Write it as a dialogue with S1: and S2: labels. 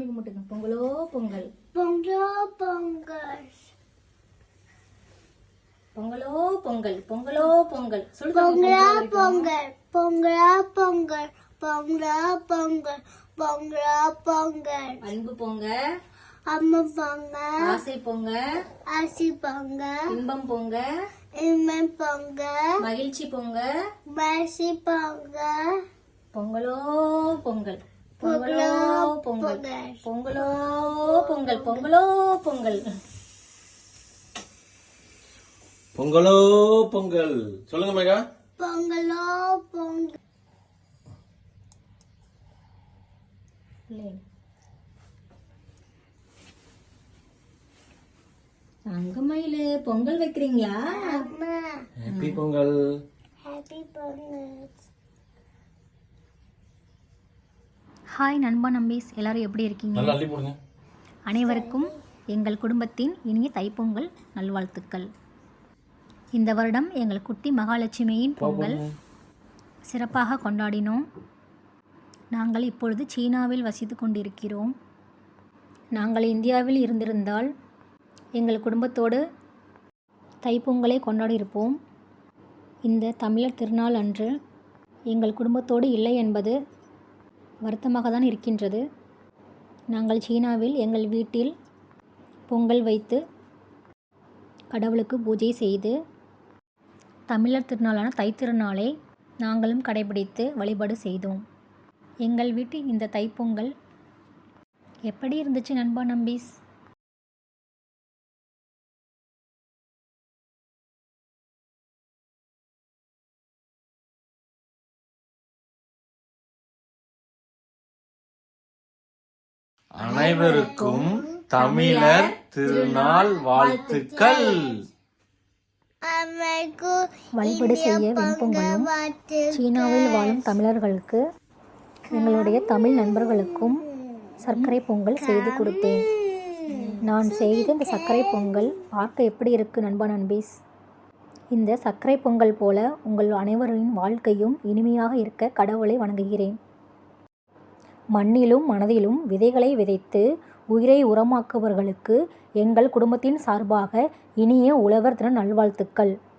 S1: சாமி கும்பிட்டுங்க. பொங்கலோ பொங்கல்,
S2: பொங்கலோ பொங்கல்,
S1: பொங்கலோ பொங்கல், பொங்கலோ பொங்கல். சொல்லுங்க.
S2: பொங்கலோ பொங்கல், பொங்கலோ பொங்கல், பொங்கலோ பொங்கல், பொங்கலோ பொங்கல்.
S1: அன்பு பொங்க,
S2: அம்மா பொங்க,
S1: ஆசை பொங்க,
S2: ஆசி பொங்க,
S1: இன்பம் பொங்க,
S2: இம்மன் பொங்க,
S1: மகிழ்ச்சி பொங்க,
S2: மசி பொங்க.
S1: பொங்கலோ பொங்கல், பொங்கலோ பொங்கல், பொங்கலோ பொங்கல், பொங்கலோ பொங்கல்,
S3: பொங்கலோ பொங்கல். சொல்லுங்க மேகா.
S2: பொங்கலோ பொங்கல்.
S1: தங்கமயிலு பொங்கல் வைக்கிறீங்களா?
S2: அம்மா
S3: happy Pongal.
S2: Happy Pongal.
S1: Hi நண்பா நம்பீஸ், எல்லாரும் எப்படி இருக்கீங்க?
S3: நல்லா அள்ளி போடுங்க.
S1: அனைவருக்கும் எங்கள் குடும்பத்தின் இனிய தைப்பொங்கல் நல்வாழ்த்துக்கள். இந்த வருடம் எங்கள் குட்டி மகாலட்சுமியின் பொங்கல் சிறப்பாக கொண்டாடினோம். நாங்கள் இப்பொழுது சீனாவில் வசித்து கொண்டிருக்கிறோம். நாங்கள் இந்தியாவில் இருந்திருந்தால் எங்கள் குடும்பத்தோடு தைப்பொங்கலை கொண்டாடியிருப்போம். இந்த தமிழர் திருநாள் அன்று எங்கள் குடும்பத்தோடு இல்லை என்பது வருத்தமாக தான் இருக்கின்றது. நாங்கள் சீனாவில் எங்கள் வீட்டில் பொங்கல் வைத்து கடவுளுக்கு பூஜை செய்து தமிழர் திருநாளான தைத்திருநாளை நாங்களும் கடைபிடித்து வழிபாடு செய்தோம். எங்கள் வீட்டில் இந்த தைப்பொங்கல் எப்படி இருந்துச்சு நண்பா நம்பீஸ்?
S3: அனைவருக்கும் தமிழர் திருநாள் வாழ்த்துக்கள்.
S1: வழிபாடு செய்ய வெண்பொங்கலும் சீனாவில் வாழும் தமிழர்களுக்கு எங்களுடைய தமிழ் நண்பர்களுக்கும் சர்க்கரை பொங்கல் செய்து கொடுத்தேன். நான் செய்த இந்த சர்க்கரை பொங்கல் பார்க்க எப்படி இருக்குது நண்பா நண்பீஸ்? இந்த சர்க்கரை பொங்கல் போல உங்கள் அனைவரின் வாழ்க்கையும் இனிமையாக இருக்க கடவுளை வணங்குகிறேன். மண்ணிலும் மனதிலும் விதைகளை விதைத்து உயிரை உரமாக்குபவர்களுக்கு எங்கள் குடும்பத்தின் சார்பாக இனிய உழவர் தின நல்வாழ்த்துக்கள்.